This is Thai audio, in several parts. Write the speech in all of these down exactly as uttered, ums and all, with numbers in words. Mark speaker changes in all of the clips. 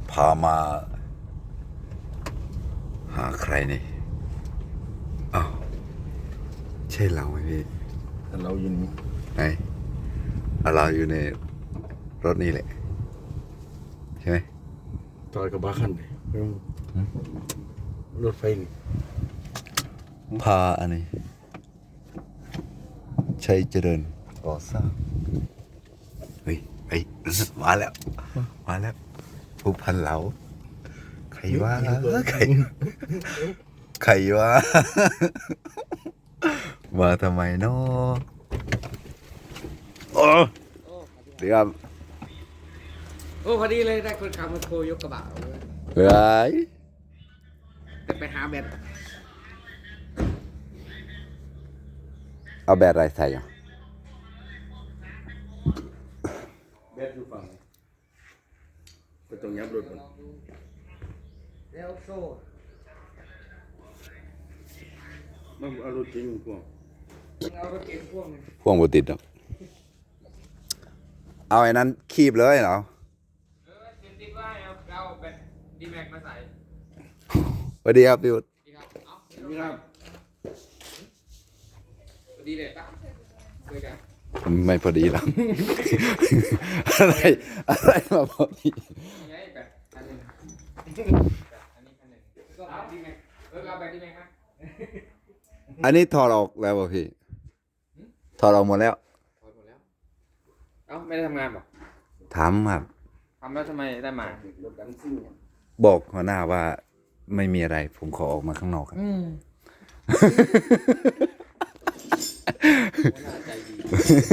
Speaker 1: พามาหาใครนี่อ้าวใช่เราไหมพี่
Speaker 2: เราอยู่นี่
Speaker 1: ไหนเราอยู่ในรถนี่แหละใช่ไหม
Speaker 2: จอยกับบ้าคันเลยรถไฟนี่
Speaker 1: พาอันนี้ใช้เจริญก่อสร้างเฮ้ยไอ้มาแล้วมาแล้วผู้พันเหลาใครว่าใครใครว่ามาทำไมเนาะโอ้เดี๋ยว
Speaker 3: โอ้พอดีเลยได้คนขับมาโคยกกระบะเอาเลย
Speaker 1: เฮ้ย
Speaker 3: แต่ไปหาแบต
Speaker 1: เอาแบตอะไรใส่อ่ะ
Speaker 2: แบตอยู่ฝั่งก็ต้องยับรถมัน
Speaker 3: แล้วโซ่
Speaker 2: มันเอารถเก๋งพวก
Speaker 3: เอารถเก๋งพ่วงเลย
Speaker 1: พ่วงบติดอ่ะเอาไอ้นั้นคีบเลยเหรอ
Speaker 3: เออเตรียมติดไว้เอาเอาแบตดีแม็กมาใส่
Speaker 1: สวัสดีครับพี่วุฒิ
Speaker 3: ดีครับเอา
Speaker 2: นี่ครับ
Speaker 3: พอดีเลยตั้งเลยกัน
Speaker 1: ไม่พอดีแล้ว อะไรอะไรมาพอดี
Speaker 3: ยังไงแบตอันหนึ่งแบตอันนี้อันหนึ่งก็แบตดีแม็กเออเอาแบตดีแม็กครับ
Speaker 1: อันนี้ถอดออกแล้วป่ะพี่ถอดออกหมดแล้ว
Speaker 3: ถอดหมดแล้วเอ้าไม่ได้ทำงานหรอ
Speaker 1: ถามครับ
Speaker 3: ทำแล้วทำไมได้มาร
Speaker 2: ถดังซิ่ง
Speaker 1: บอกหัวหน้าว่าไม่มีอะไร ผมขอออกมาข้างนอกครับ
Speaker 3: อืมน่าใจดี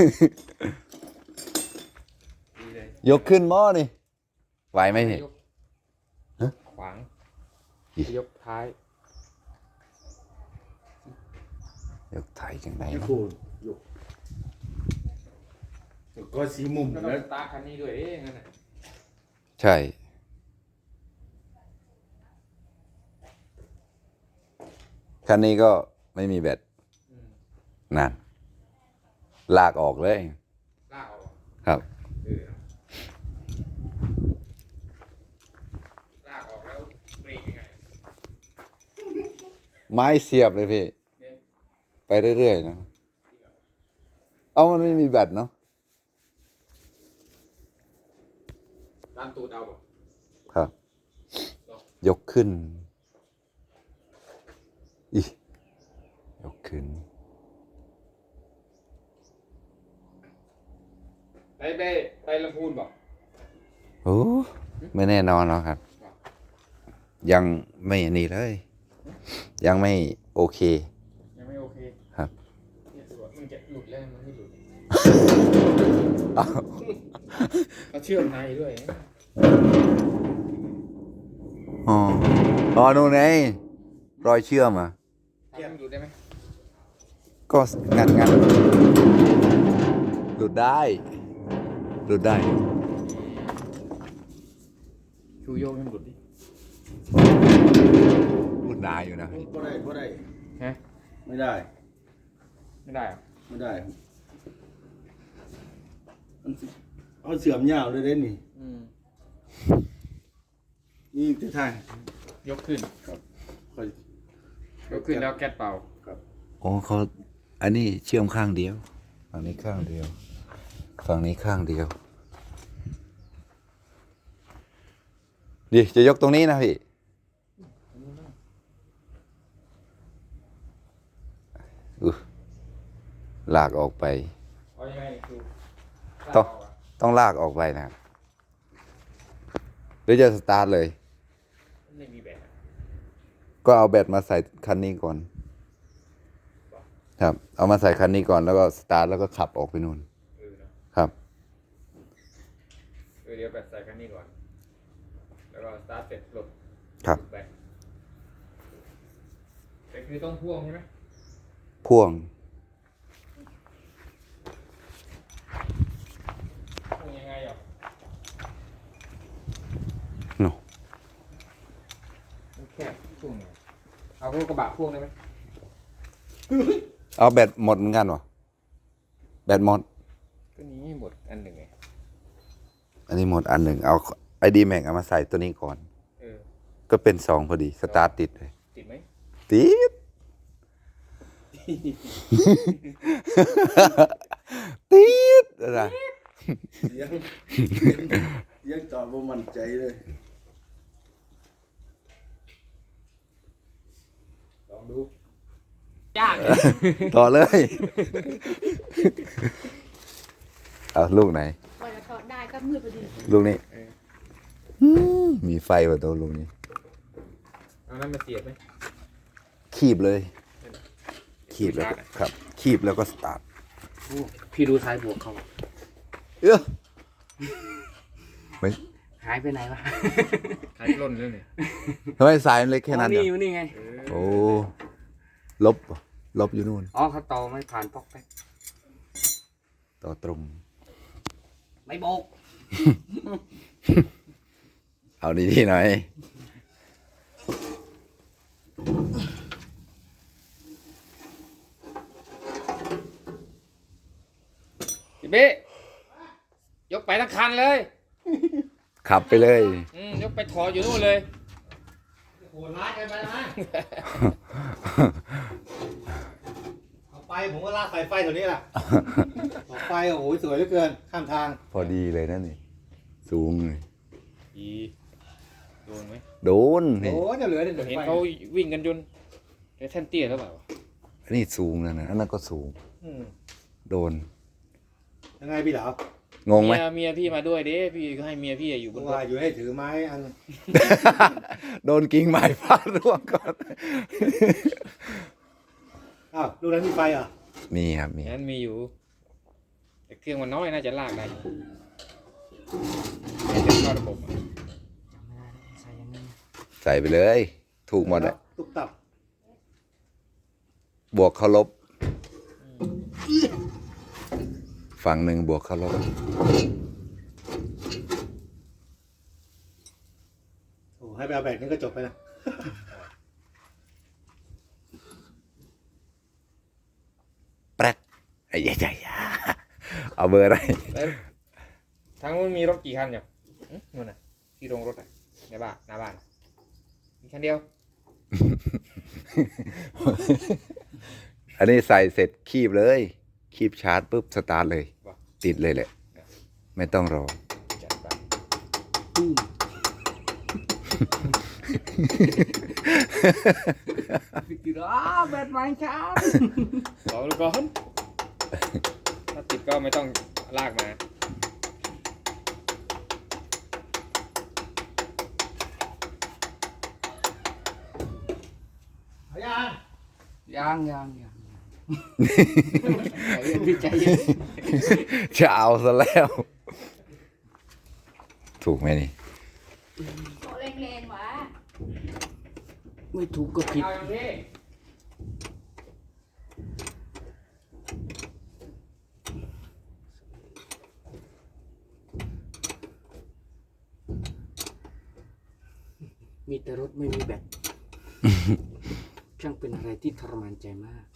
Speaker 3: ดีเลย
Speaker 1: ยกขึ้นหม้อนี่ไหวไหมพี่
Speaker 3: ยก
Speaker 1: ฮะ
Speaker 3: ขวาง
Speaker 1: อี
Speaker 3: ยกท้าย
Speaker 1: ยกไถจังไง
Speaker 2: ยี่
Speaker 1: เนาะ
Speaker 2: โคนยกก็สีมุม
Speaker 3: ก็ต้อ
Speaker 2: แล้
Speaker 3: ง
Speaker 2: ว
Speaker 3: สตาร์ทคันนี้ด้วยเองนั่นน่ะ
Speaker 1: ใช่คันนี้ก็ไม่มีแบต
Speaker 3: อืม
Speaker 1: นั่นลากออกเลย
Speaker 3: ลากออก
Speaker 1: ครับ
Speaker 3: เออลากออกแล้วเบรกยังไง
Speaker 1: ไม้เสียบเลยพี่
Speaker 3: เนี่ย
Speaker 1: ไปเรื่อยๆนะเอามันไม่มีแบตเนาะ
Speaker 3: ตามตูดเอาบ่
Speaker 1: ครับ ยกขึ้นอียกขึ้น
Speaker 3: ไปไปไปลำพูนบ่
Speaker 1: โอ้ไม่แน่นอนหรอกครับ ยังไม่อันนี้เลย ยังไม่โอเค
Speaker 3: ยังไม่โอเค
Speaker 1: ครับ
Speaker 3: เนี่ยดูว่ามันจะหลุดแล้วมันไม่หลุด
Speaker 1: อ้าว
Speaker 3: เขาเชื่อมในด้วย
Speaker 1: อ๋ออ๋อนู่นไงรอยเชื่อมอ่ะ
Speaker 3: ทำให้มันหลุดได้ไหม
Speaker 1: ก็งัดงัดหลุดได้ หลุดได้
Speaker 3: ชูโยกให้มันหลุดดิ
Speaker 1: หลุดได้อยู่นะ
Speaker 2: ก็ได้ก็ได้
Speaker 3: ฮะ
Speaker 2: ไม่ได้
Speaker 3: ไม่ได้เหรอ
Speaker 2: ไม่ได้มันสิเอาเสื่อมยาวเลยเด้นี่
Speaker 3: อืม
Speaker 2: นี่ที่ทาง
Speaker 3: ยกขึ้น
Speaker 2: ครับค่อย
Speaker 3: ยกขึ้นแล้วแก๊สเป่า
Speaker 2: ครับ
Speaker 1: โอ้เขาอันนี้เชื่อมข้างเดียวฝั่งนี้ข้างเดียวฝั่งนี้ข้างเดียวดิจะยกตรงนี้นะพี่อือลากออกไป
Speaker 3: เอายังไงคือ
Speaker 1: ต้อง ต้องลากออกไปนะครับหรือจะสตาร์ทเลย
Speaker 3: ไม่มีแบบ
Speaker 1: ก็เอาแบตมาใส่คันนี้ก่อน ครับ เอามาใส่คันนี้ก่อนแล้วก็สตาร์ทแล้วก็ขับออกไปนู่น
Speaker 3: เออเนอะ
Speaker 1: ครับ
Speaker 3: เออเดี๋ยวแบตใส่คันนี้ก่อน แล้วก็สตาร์ทเสร็จปลด
Speaker 1: ครับ
Speaker 3: แบตแต่คือต้องพ่วงใช่ไหม
Speaker 1: พ่วง
Speaker 3: พ่วงยังไงอ่ะ
Speaker 1: โน
Speaker 3: มันแคบพ่วงไงเอาพวกกระบะพ่วงได้ไหม
Speaker 1: เอาแบตหมดเหมือนกันวะแบตหมด
Speaker 3: ก็นี้หมดอันหนึ่งไง
Speaker 1: อันนี้หมดอันหนึ่งเอาไอดีแม็กเอามาใส่ตัวนี้ก่อน
Speaker 3: เออ
Speaker 1: ก็เป็นสองพอดี สตาร์ทติดเลย
Speaker 3: ติดไหม
Speaker 1: ติด ติดอะไร
Speaker 2: ยังยังจอดบ่มั่นใจเลย
Speaker 3: ลองดูยาก
Speaker 1: ต่อเลย เอาลูกไหน
Speaker 4: กว่าจะถอดได้ก็มืดพอดี
Speaker 1: ลูกนี้มมีไฟกว่าตัวลูกนี้
Speaker 3: เอานั้นมาเสียบไหม
Speaker 1: คีบเลย คีบแล้วก็ครับ คีบแล้วก็สตาร์ท
Speaker 3: พี่ดูท้ายบวกเขา
Speaker 1: เอ้อไม่
Speaker 3: หายไปไหนวะหายล่นเลยเนี่ย
Speaker 1: ทำไมสายมันเล็กแค่นั้น
Speaker 3: นี่
Speaker 1: เดี
Speaker 3: อ
Speaker 1: ยว
Speaker 3: ยู่นี่ไง
Speaker 1: โอ้ลบเหรอลบอยู่นู่น
Speaker 3: อ๋อเขาต่อไม่ผ่านปอกแป๊ก
Speaker 1: ต่อตรง
Speaker 3: ไม่โบก
Speaker 1: เอาดีที่หน่อย
Speaker 3: พี่เบ้ยกไปทั้งคันเลย
Speaker 1: ขับไปเลย
Speaker 3: อืมยกไปถออยู่นู่นเลย
Speaker 5: โหดร้ายเกินไปนะ เอาไปผมก็ลากสายไฟตัวนี้แหละออกไปโอ้โหสวยเหลือเกิน ข้ามทาง
Speaker 1: พอดีเลยนั่นนี่สูงเลย
Speaker 3: อีโดนไหม
Speaker 1: โดน
Speaker 5: โอ้
Speaker 1: นี่
Speaker 5: โหจะเหลือเดี๋ยว
Speaker 3: เห็น
Speaker 5: ไฟ
Speaker 3: เขาวิ่งกันจนไอ้แท่นเตี้ยแล้วเปล่า
Speaker 1: อันนี้สูงนะนะอันนั้นก็สูง
Speaker 5: อืม
Speaker 1: โดน
Speaker 5: ยังไงพี่เหลาง
Speaker 1: งไหม
Speaker 3: เมียเมียพี่มาด้วยเด้พี่ก็ให้เมียพี่อยู่บนรถ
Speaker 5: ว่าอยู่ให้ถือไม้อัน
Speaker 1: โดนกิ่งไม้ฟาดร่วงก่อน
Speaker 5: อ้าวลูกนั้นมีไฟเหรอ่ะ
Speaker 1: มีครับมี
Speaker 3: นั้นมีอยู่แต่เครื่องมันน้อยน่าจะลากได้อยู่ไม่จะเข้าระบบอะ
Speaker 1: ใส่ไปเลย ถูกหมดเลย
Speaker 5: ตุกตับบ
Speaker 1: วกเขาลบ ฝั่งหนึ่งบวกเขาลบ
Speaker 5: โอ้ให้ไปเอาแบบนี้ก็จบไปนะ
Speaker 1: แป๊กไอ้ใหญ่ใหญ่เอาเบอร์อะไร
Speaker 3: แล้วทางนู้นมีรถกี่คันอยู่อื้อนู่นน่ะที่โรงรถอ่ะในบ้านหน้าบ้านมีคันเดียว
Speaker 1: อันนี้ใส่เสร็จคีบเลย คีบชาร์จปุ๊บสตาร์ทเลย ติดเลยแหละ ไม่ต้องรอ
Speaker 3: จัดไปติดอ่ะแบตไฟช้าลองดูก่อนถ้าติดก็ไม่ต้องลากมา
Speaker 5: เอายัง
Speaker 3: ยังยังยังใจเย็นพี่ใจเย็น
Speaker 1: จะเอาซะแล้ว ถูกไหมนี่
Speaker 4: โตแรงๆวะ
Speaker 3: ไม่ถูกก็ผิดเอาอย่างนี้
Speaker 6: มีแต่รถไม่มีแบต ช่างเป็นอะไรที่ทรมานใจมาก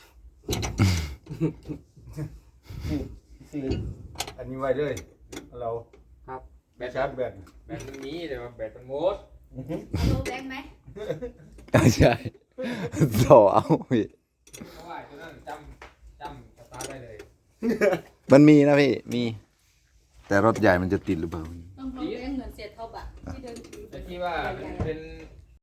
Speaker 5: สี่อันนี้ไว้เลยเรา
Speaker 6: ครับ
Speaker 3: แบต
Speaker 5: ชาร์จแบต
Speaker 3: แบตมันมีแต่ว่าแบตมันหมด
Speaker 4: เอาโลแบงค์ไหม
Speaker 1: ใช่ต่อเอาพี่
Speaker 3: เพราะว่าตัวนั้นจำจำสตาร์ทได้เลย
Speaker 1: มันมีนะพี่ มี แต่รถใหญ่มันจะติดหรือเปล่า
Speaker 4: ต้องโลแบงค์เหมือนเสียท็อปอะที่เดินถือ
Speaker 3: แต่ที่ว่าเป็น